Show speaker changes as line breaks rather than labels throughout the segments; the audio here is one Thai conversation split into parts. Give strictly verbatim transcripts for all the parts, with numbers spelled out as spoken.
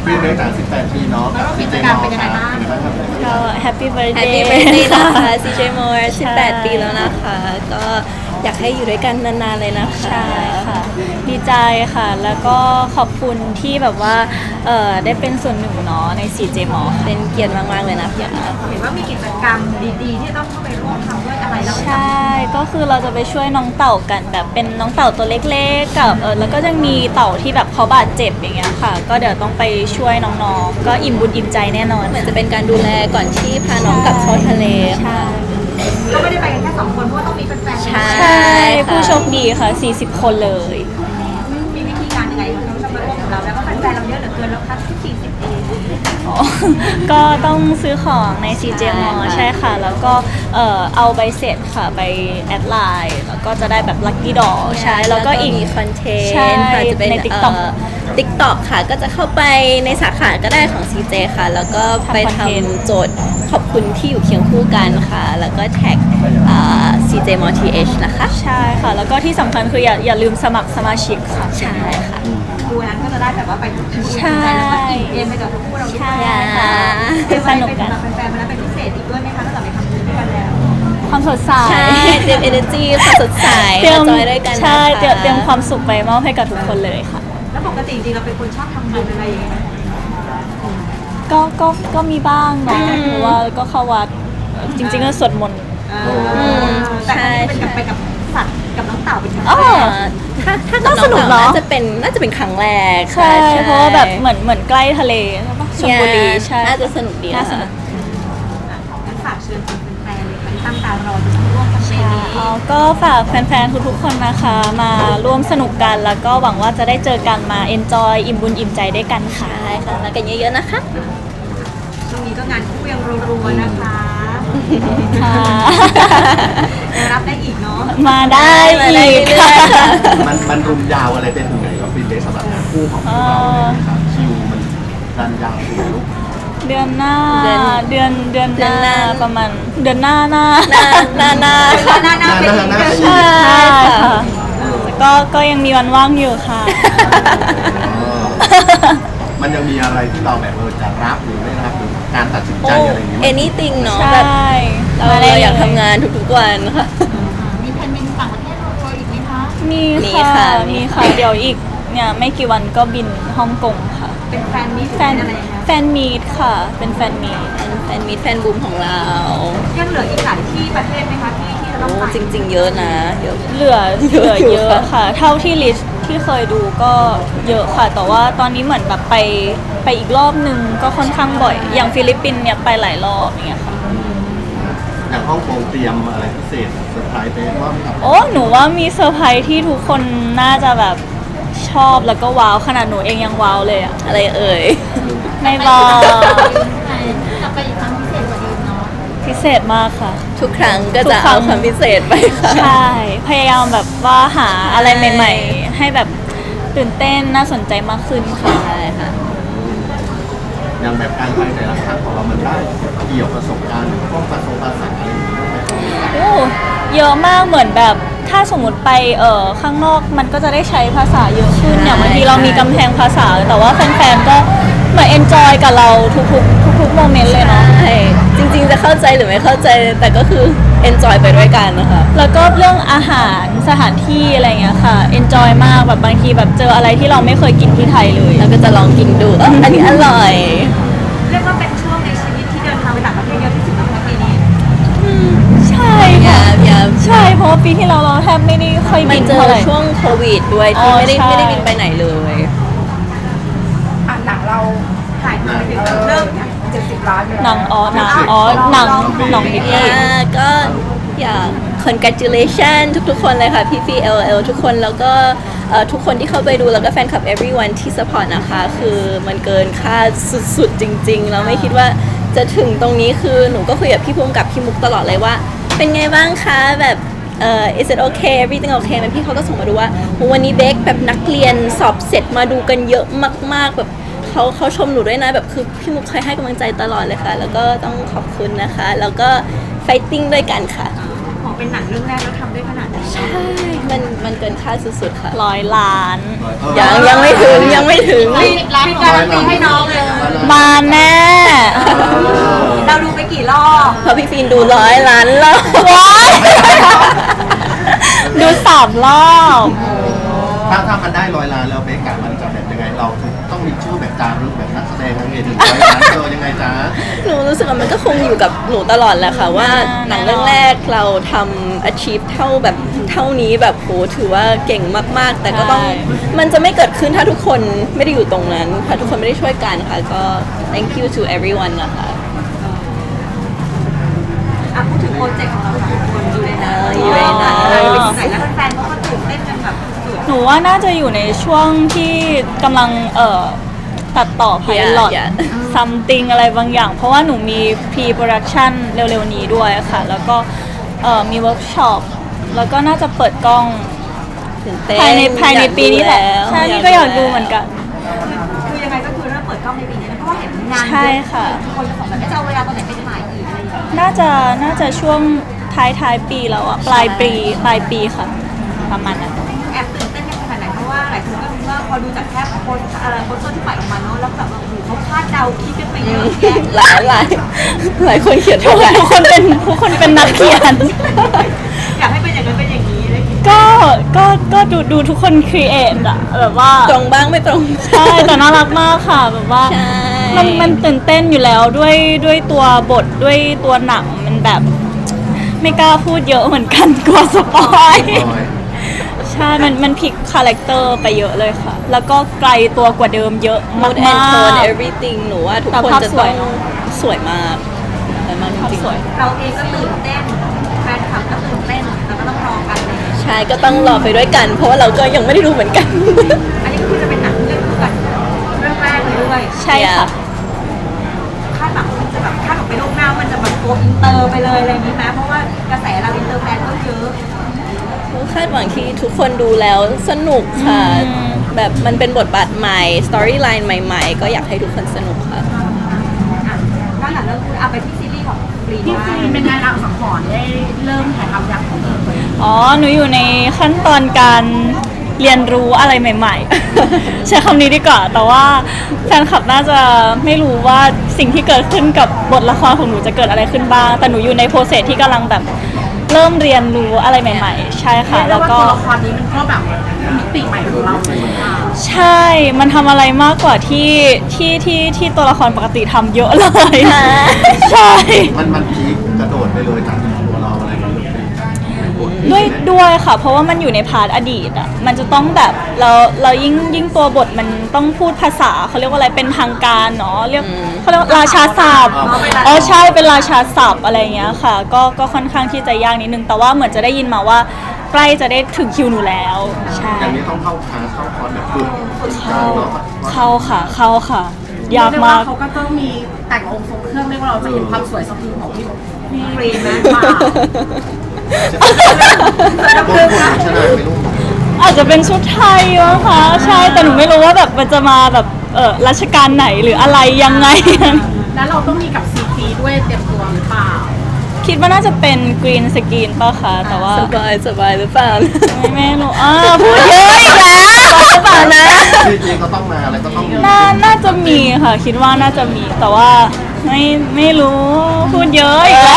ปีเนื่องจากสิบแปดปีเนาะกับซีเจมอลค่ะเป็นยังไงบ้างครับ
ก็แฮปปี้เบิร์ด
แฮป
เด
ปี้
ย์
เบิร์ดเดย์นะคะ ซี เจ More
ใช่
สิบแปด ปีแล้วนะคะ ก็อยากให้อยู่ด้วยกันนานๆเลยนะคะ
ใช่ค่ะ ดีใจค่ะ แล้วก็ขอบคุณที่แบบว่าเอ่อได้เป็นส่วนหนึ่งเนาะใน ซี เจ มอ
เป็นเกียรติมากๆเลยนะคะ
เห็นว่ามีกิจกรรมดีๆ ที่ต้องเข้าไปร่วมทำด้วยอะไรแล้ว
ใช่ ก็คือเราจะไปช่วยน้องเต่ากันแบบเป็นน้องเต่าตัวเล็กๆกับเออแล้วก็ยังมีเต่าที่แบบเขาบาดเจ็บอย่างเงี้ยค่ะ ก็เดี๋ยวต้องไปช่วยน้องๆ ก็อิ่มบุญอิ่มใจแน่นอน
เหมือนจะเป็นการดูแลก่อนที่พาน้องกลับเข้าทะเล
ใช่
ก็ไม่ได้ไปกันแค่สองคนเพราะว่าต้องมีแฟนๆ
ใช่
ใช่ ผู้โชคดีค่ะ สี่สิบ คนเลย
มีวิธีการยังไงคะที่จะมาร่วมกับเราแล้วก็แฟนๆเราเยอะเหลือเกินแล้วค่ะที่สี่สิบเอง
อ๋อ ก็ต้องซื้อของใน ซี เจ มอ ใช่ค่ะ แล้วก็เอ่อเอาใบเสร็จค่ะไปแอดไลน์แล้วก็จะได้แบบลัคกี้ดอใช่ แล้วก็อีก
มีคอนเทน
ใช่
ต์ค่ะจะเป็น
ใน TikTok
ติ๊กต็อกค่ะ ก็จะเข้าไปในสาขาก็ได้ของ ซี เจ ค่ะ แล้วก็ไป
ทำคอนเทนต์
ทำโจทย์ขอบคุณที่อยู่เคียงคู่กันค่ะ แล้วก็แท็กซีเจมอทีเอชนะคะ
ใช่ค่ะ แล้วก็ที่สำคัญคืออย่าอย่าลืมสมัครสมาชิกค่ะ
ใช่ค่ะ
ดูนั้นก็จะได้แบบว่าไปทุกที่
ใช่
แล้วก็อิ่มเอมไปกับทุกคู่เราด้วย
ใช่
ค่ะ
เป็น
สนุกกัน
แฟนๆมาแล้วเป็นพิเศษอีกด้วยไหมคะตั้งแต่ไปทำบุญด้วยกันแล้ว
ความสดใส
ใช่เตรียม energy ความสดใส
เตรียม
มาจอยด้วยกันนะคะ
ใช่เตรียมเตรียมความสุขไปมอบให้กับทุกคนเลยค่ะ
แล้วปกติจริงๆเราเป็นคนชอบทำบุญอะไรอย่างเงี้ยไหม
ก็ก็ก็มีบ้างเนาะหรือว่าก็เข้าวัดจริงๆก็สวดมนต์
เออแต่อันนี้เป็นกับไปกับสัตว์กับน้องเต่าเป็นครั้ง
อ๋อ
แรก
ถ้าถ้า
น่าสนุกเนอะ
น่าจะเป็นน่าจะเป็นครั้งแรก
ใช่ เพราะว่าแบบเหมือนเหมือนใกล้ทะเลใช่ปะชลบุรีใช่
น่าจะสนุกดี
น่าสนุก
งั้นฝากเชิญชวนแฟนๆเลยค่ะที่ตั้งตารอจะร่วมแคมเปญนี้
อ๋อก็ฝากแฟนๆ ทุกๆ คนนะคะ มาร่วมสนุกกัน แล้วก็หวังว่าจะได้เจอกันมา enjoy อิ่มบุญอิ่มใจด้วยกันค่ะ
ใช่ค่ะมากันเยอะๆนะคะ
ช่วงนี้ก็งานคู่ยังรัวๆนะคะ
ค่ะ
ยังรับได้อีกเนาะ
มาได้
มาได้
อีก
เรื่อยๆค่ะ
มันมันรุมยาวอะไรไปถึงไหนครับฟินเดย์สำหรับงานคู่ของพวกเราเนี่ยครับคิวมันดันยาวถึงลูก
เดือนหน้า
เดือน
เดือนเดือนห
เดือนห
น้า
น้า
ประมาณเดือนหน้าหน้า
หน้าหน้าหน้า
หน้าหน้าเป็นอีก
หน้าหน้า
ใช่ค่ะแต่ก็ก็ยังมีวันว่างอยู่ค่ะ
มันยังมีอะไรที่เราแบบเออจะรับหรือไม่รับหรือการตัดสินใจอะไรอย่างเงี้ย
โอ้ anything เนาะ
ใช่
แบบเรา
มาได้
เราอยาก
ล
ทำงานทุกๆวันค่ะ
มีแผนเป็นต่างประเทศรัวๆอีกไหมคะ
มี
มี
ค่ะ
ค่ะ
มีค่ะ เดี๋ยวอีกเนี่ยไม่กี่วันก็บินฮ่องกงค่ะ
เป็นแฟนมิตร
แฟน
เป็นอะไรคะ
แฟนมีดค่ะ เป็นแฟนมีด
เป็นแฟนมิตรแฟนบูมของเรา
ยังเหลืออีกหลายที่ประเทศไหมคะที่ที่จะต้
โอ้
องไป
จริง ๆ เยอะนะเยอะ
เหลือเหลือ
อยู่
เยอะ
ค่ะ
ค่ะ เท่าที่ลิสต์ที่เคยดูก็เยอะค่ะ แต่ว่าตอนนี้เหมือนแบบไปไปอีกรอบนึงก็ค่อนข้างบ่อย อย่างฟิลิปปินส์เนี่ยไปหลายรอบอย่างเงี้ยค่ะ
อย่างฮ่องกงเตรียมอะไรพิเศษเซอร์ไพรส์ไปว่ากับ
โอ้หนูว่ามีเซอร์ไพรส์ที่ทุกคนน่าจะแบบชอบแล้วก็ว้าวขนาดหนูเองยังว้าวเลยอะ
อะไรเอ่ย
ไม่บอก
จะไปอีกครั้งพิเศษกว่าเดิมเนาะ
พิเศษมากค่ะ
ทุกครั้งก็
ทุ
จะ
กครั้
เอา
ง
ความพิเศษไปค่ะ
ใช่ พยายามแบบว่าหาอะไรใหม่ ๆ ให้แบบตื่นเต้นน่าสนใจมากขึ้นค่ะ
ใช่ค่ะ
อย่างแบบการไปแต่ละครั้งของเรามันได้เกี่ยวประสบการณ์หรือพวกภาษาภาษาอะไรอย่างเงี้ยไหม
โอ้เยอะมากเหมือนแบบถ้าสมมติไปเอ่อข้างนอกมันก็จะได้ใช้ภาษาเยอะขึ้น
ใช่
อย่างบางทีเรามีกำแพงภาษา แต่ว่าแฟนๆก็เหมือนเอนจอยกับเราทุกๆทุกๆโมเมนต์เลยเนาะ
ใช่จริงๆจะเข้าใจหรือไม่เข้าใจแต่ก็คือ enjoy ไปด้วยกันนะคะ
แล้วก็เรื่องอาหารสถานที่อะไรเงี้ยค่ะเอนจอยมากแบบบางทีแบบเจออะไรที่เราไม่เคยกินที่ไทยเลย
แล้วก็จะลองกินดูเอ้ออันนี้อร่อย
เรียกว่าเป็นช่วงในชีวิตที่เดินทางไปต่างประเทศเยอะที่สุดในปีนี้
ใช่
อ
ค่ะ
ย่าอย่า
ใช่เพราะว่าปีที่เราเราแทบไม่ได้ค่อย
มั
บิ
น
น
เจอ
เท่าไหร่
ช่วงโควิดด้วย
อ๋
ที่
อ
ไม่ได้
ใช่
ไม่ได้บินไปไหนเลย
อ่านหนังเราถ่ายมาเป็นเริ่มเจ็ดสิบล้านเลย
หนังอ๋อหนังอ๋อหนังหนังบิ๊ก
อ่าก็อยาก congratulation ทุกๆ คนเลยค่ะพี่พี่ แอล แอล ทุกคนแล้วก็เอ่อทุกคนที่เข้าไปดูแล้วก็แฟนคลับ everyone ที่ support นะคะ คือมันเกินคาดสุดๆ จริงๆ แล้วไม่คิดว่าจะถึงตรงนี้คือหนูก็คุยกับพี่ภูมิกับพี่มุกตลอดเลยว่า เป็นไงบ้างคะแบบเอ่อ is it okay everything okay มันพี่เขาก็ส่งมาดูว่าวันนี้เบคแบบนักเรียนสอบเสร็จมาดูกันเยอะมากๆแบบเขาเขาชมหนูด้วยนะแบบคือพี่มุกเคยให้กำลังใจตลอดเลยค่ะ แล้วก็ต้องขอบคุณนะคะ แล้วก็ fighting ด้วยกันค่ะ
ขอเป็นหนังเรื่องแรกแล้วทำได้ขนาดนี้
ใช่ มันมันเกินคาดสุดๆค่ะ
ร้อยล้าน
เออ
ยังยังไม่ถึงยังไม่ถึง
มีมีการันตีให้น้องเลย
มาแน่
เราดูไปกี่รอบ
เพราะพี่ฟินดูร้อยล้านรอบ
ว้ายดูสามรอบ
ถ้าถ้ามันได้ร้อยล้านแล้วเบกกะมันจะแบบยังไงเราคือต้องมีชื่อแบบจารึกแบบนักแสดงทั้งเอถึงร้อยล้านเออยังไงจ๊ะ
หนูรู้สึกว่ามันก็คงอยู่กับหนูตลอดแหละค่ะว่าหนังเรื่องแรกเราทำ achieve เท่าแบบเท่านี้แบบโหถือว่าเก่งมากๆ แต่ก็ต้อง
ใช่
มันจะไม่เกิดขึ้นถ้าทุกคนไม่ได้อยู่ตรงนั้นค่ะทุกคนไม่ได้ช่วยกันค่ะก็ thank you to everyone นะคะ
อ่ะพูดถึงโปรเจกต์ของเราสองคนอยู่ในนั้น
เอออยู่ในนั้น
เออเป็นยังไงแล้วแฟนๆเขาก็ตื่นเต้นกันแบบสุด
หนูว่าน่าจะอยู่ในช่วงที่กำลังเอ่อตัดต่อ pilot
Yeah, yeah.
something อะไรบางอย่าง เพราะว่าหนูมี pre production เร็วๆนี้ด้วยค่ะ แล้วก็เอ่อมีเวิร์กช็อปแล้วก็น่าจะเปิดกล้อง
ตื่นเต้น
ภายในภายในปีนี้แหละ
อยากดู
ใช่
แล้ว
นี่ก็อยากดูเหมือนกัน
ๆคือยังไงก็คือเริ่มเปิดกล้องในปีนี้นะเพราะว่าเห็นงานเยอ
ใช่ค่ะ
คนจะบอกแบบจะเอาเวลาตอนไหนไปถ่ายอีกอะไรอย่างเงี้ย
น่าจะน่าจะช่วงท้ายท้ายปีแล้วอะปลายปีปลายปีค่ะ ประมาณนั้น
แอบตื่นเต้นกันขนาดไหนเพราะว่าหลายคนก็รู้ว่าพอดูจากแค่โพสต์เอ่อโพสต์ที่ปล่อยออกมาเนาะแล้วแบบว่าโอ้โหเขาคาดเดาคิดกันไปเยอะแยะ
หลายหลายหลายคนเขียน
ทุ
ว่าก
คนทุกคนเป็นทุกคนเป็นนักเขียน
อยากให้เป็นอย่างนั้นเป็นอย่างนี้เลย
ก็ก็ก็ดูดูทุกคนครีเอทอะแบบว่า
ตรงบ้างไม่ตรง
ใช่แต่น่ารักมากค่ะแบบว่า
ใช่
มันมันตื่นเต้นอยู่แล้วด้วยด้วยตัวบทด้วยตัวหนังมันแบบ ไม่กล้าพูดเยอะเหมือนกันกลัวสปอย
ร้อย
ใช่ มันมันพลิกคาแรคเตอร์ไปเยอะเลยค่ะ แล้วก็ไกลตัวกว่าเดิมเยอะมาก
mood and tone everything หนูว่าทุก
แต่
คน
ภาพ
จะ
ส
ต้
ว
อย งสวยมากสวยมากจ
ภาพ
ริง
สวย
เราเองก็ตื่นเต้นแฟนคลับก็ตื่นเต้นแล้วก็ต้องรอกันเลย
ๆใช่ก็ต้องรอไปด้วยกัน เพราะว่าเราก็ยังไม่ได้ดูเหมือนกัน
อันนี้ก็คือจะเป็นหนังเรื่องคู่กันเรื่องแรกเลยด้วย
ใช่ค่ะ
คาดหวังมันจะแบบคาดหวังไปล่วงหน้ามันจะแบบโกอินเตอร์ไปเลยอะไรอย่างนี้ไหมเพราะว่ากระแสเราอินเตอร์แฟนก็เยอะ
คาดหวังที่ทุกคนดูแล้วสนุกค่ะ
อืม
แบบมันเป็นบทบาทใหม่ สตอรี่ไลน์ใหม่ๆ ก็อยากให้ทุกคนสนุกค่ะ
อ่ะด้านหลังเรื่องคือเอาไปที่ซีรีส์ของกรีน
พี่ซีเป็นไงรังสังหรณ์ได้เริ่มถ่ายทำยังของเธอ
อ๋อ หนูอยู่ในขั้นตอนการเรียนรู้อะไรใหม่ ๆ ใช้คำนี้ดีกว่า แต่ว่าแฟนคลับน่าจะไม่รู้ว่าสิ่งที่เกิดขึ้นกับบทละครของหนูจะเกิดอะไรขึ้นบ้าง แต่หนูอยู่ในโปรเซสที่กำลังแบบเริ่มเรียนรู้อะไรใหม่ ๆ ใช่ค่ะ
แล้
แล้ว ว
ก็
ก็
ตัวละครนี้มันก็แบบมิติใหม่ของเราเลยค่ะ
ใช่ มันทำอะไรมากกว่าที่ที่ที่ที่ตัวละครปกติทำเยอะเลย ใช่
มันมันพีคกระโดดไปเลยจากตัวเราอะไรอย่างเงี้ย
ด้วยด้วยค่ะ เพราะว่ามันอยู่ในพาร์ทอดีตอ่ะมันจะต้องแบบเราเรายิ่งยิ่งตัวบทมันต้องพูดภาษาเขาเรียกว่าอะไรเป็นทางการเนาะเรียกเขาเรียกว่าราชาศัพท์อ๋อใช่เป็นราชาศัพท์อะไรอย่างเงี้ยค่ะ ก็ก็ค่อนข้างที่จะยากนิดนึงแต่ว่าเหมือนจะได้ยินมาว่าใกล้จะได้ถึงคิวหนูแล้วใช่
อย่างนี้ต้องเข้าคลาสเข้าคอร์สแบบฝึกการเนาะ
เข้าค่ะเข้าค่ะ ยาก
เรีว่
มาก
เขาก็ต้องมีแต่งองค์ทรงเครื่องเรียกว่าเราจะเห็นความสวยสะพรึงของพี่พี่
กรีนนะ
เปล่า
โดนคนชนะไม่รู้
อาจจะเป็นชุดไทยมั้งคะใช่แต่หนูไม่รู้ว่าแบบมันจะมาแบบเออรัชกาลไหนหรืออะไรยังไง
แล้วเราต้องมีกับซีจีด้วยเตรียมตัวหรือเปล่า
คิดว่าน่าจะเป็นกรีนสกรีนป่ะคะแต่ว่า
สบายสบายหรือเปล่า
ไม่ไม่รู้อ่าพูดเยอะอีกแล้วหรือเปล่านะ
จริงๆก็ต้องมาอะไรก็ต้องมี
น่าน่าจะมีค่ะ คิดว่าน่าจะมีแต่ว่าไม่ไม่รู้พูดเยอะอีกแล้ว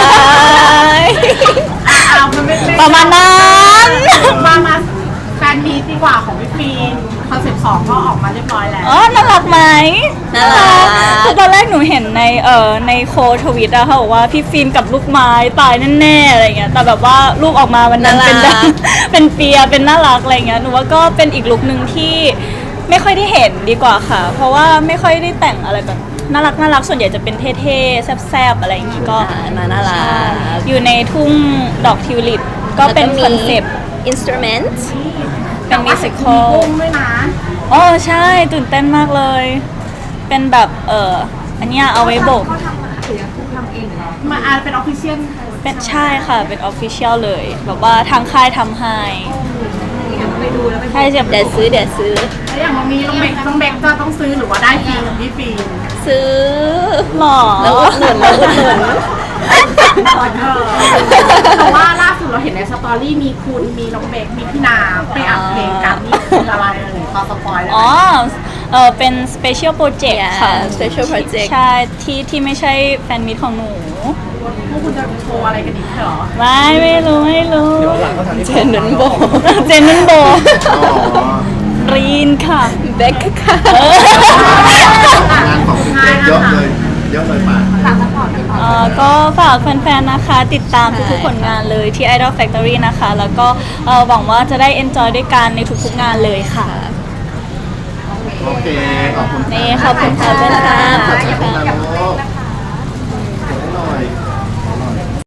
อ้าวมันไม่ไม่
ประมาณนั้น
มามาแฟนมีตดีกว่าของพี่ฟีนคอนเซ็ปต์สองก็ออกมาเรียบร้อยแล้ว
อ๋อน่ารักไหม
น่ารัก
คือตอนแรกหนูเห็นในเอ่อในโคทวิตอะเขาบอกว่าพี่ฟิล์มกับลูกไม้ตายแน่ๆอะไรเงี้ยแต่แบบว่ารูปออกมาวันนั้นเป็น
น่ารัก
เป็นเปียเป็นน่ารักอะไรเงี้ยหนูว่าก็เป็นอีกลุคหนึ่งที่ไม่ค่อยได้เห็นดีกว่าค่ะ เพราะว่าไม่ค่อยได้แต่งอะไรแบบน่ารักน่ารักส่วนใหญ่จะเป็นเท่ๆแซ่บๆอะไรอย่างงี้ก็
อ่าน่าน่ารัก
ใช่อยู่ในทุ่งดอกทิวลิปก็เป็นคอนเซปต์
อินสตูเมนต์
เป็นมิวสิคอล
กุ้งด้วยนะ
อ๋อใช่ตื่นเต้นมากเลย เป็นแบบเอออันเนี้ยเอาไว้โบก
เขาทำหรือคุณทำเองเหรอ
มาอาจเป็นออฟฟิเชียล
เป็นใช่ค่ะเป็นออฟฟิเชียลเลย แบบว่าทางค่ายทำให้
อยากไปดูแล้วไป
ใช่จะ
เดี๋ยวซื้อเดี๋ยวซื้อ
แล้วอย่างวันนี้น้องเบกน้องเบกจะต้องซื้อหรือว่าได้ฟรีของพี่ฟีน
ซื้อ
หรอ
แล้วอุดหนุนแล้วอุดหนุน
แต่ว่าล่าสุดเราเห็นในสตอรี่มีคุณมีน้องเบคมีพี่นาไปอัดเพลงกันนี่คืออะไรเอ่ยพอสปอยได้ไห
อ๋อ
ม
เออเป็น special project ค่ะ
Yeah, special project
ใช่ ที่ที่ไม่ใช่แฟนมิตของหนู
พวกคุณจะโชว์อะไรกันอีกเหรอ
ไม่ไม่รู้ ไม่รู้
เจนนันโบ
เจนนันโบ
อ๋อ
รีนค่ะ
เบคค่ะ
งานของคุณเยอะเลยเยอะเลยป่ะ
ฝากซัพพอร์ตกันต่อ
เอ่อก็ฝากแฟนๆ นะคะ ติดตามทุกๆ ผลงานเลยที่ Idol Factory นะคะ แล้วก็เอ่อหวังว่าจะได้ enjoy ด้วยกันในทุกๆ งานเลยค่ะ
โอเค ขอบคุณ
นี่ขอบคุณค่ะ
ขอบคุณค่ะ
ขอบคุณค่ะ